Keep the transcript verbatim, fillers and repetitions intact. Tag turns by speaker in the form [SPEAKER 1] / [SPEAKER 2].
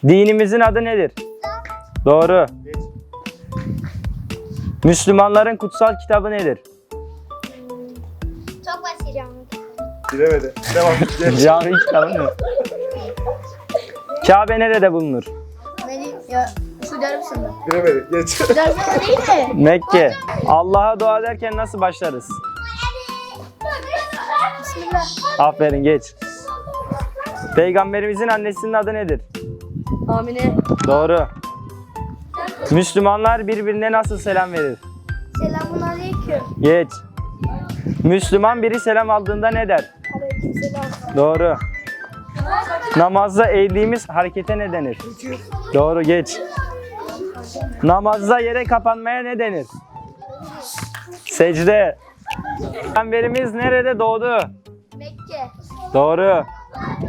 [SPEAKER 1] Dinimizin adı nedir? Doğru. Müslümanların kutsal kitabı nedir?
[SPEAKER 2] Çok basit.
[SPEAKER 3] Bilemedi. Devam. Geç.
[SPEAKER 1] Cami kitabı ne? Kabe nerede bulunur?
[SPEAKER 2] Beni ya Suudi Arabistan'da.
[SPEAKER 3] Bilemedi. Geç.
[SPEAKER 2] Suudi Arabistan'da değil mi?
[SPEAKER 1] Mekke. Allah'a dua ederken nasıl başlarız?
[SPEAKER 2] Bismillah.
[SPEAKER 1] Aferin, geç. Peygamberimizin annesinin adı nedir?
[SPEAKER 2] Amine.
[SPEAKER 1] Doğru. Müslümanlar birbirine nasıl selam verir?
[SPEAKER 2] Selamun aleyküm.
[SPEAKER 1] Geç. Müslüman biri selam aldığında ne der?
[SPEAKER 2] Aleyküm selam.
[SPEAKER 1] Doğru. Namazda eğdiğimiz harekete ne denir? Doğru, geç. Namazda yere kapanmaya ne denir? Secde. Peygamberimiz nerede doğdu?
[SPEAKER 2] Mekke.
[SPEAKER 1] Doğru.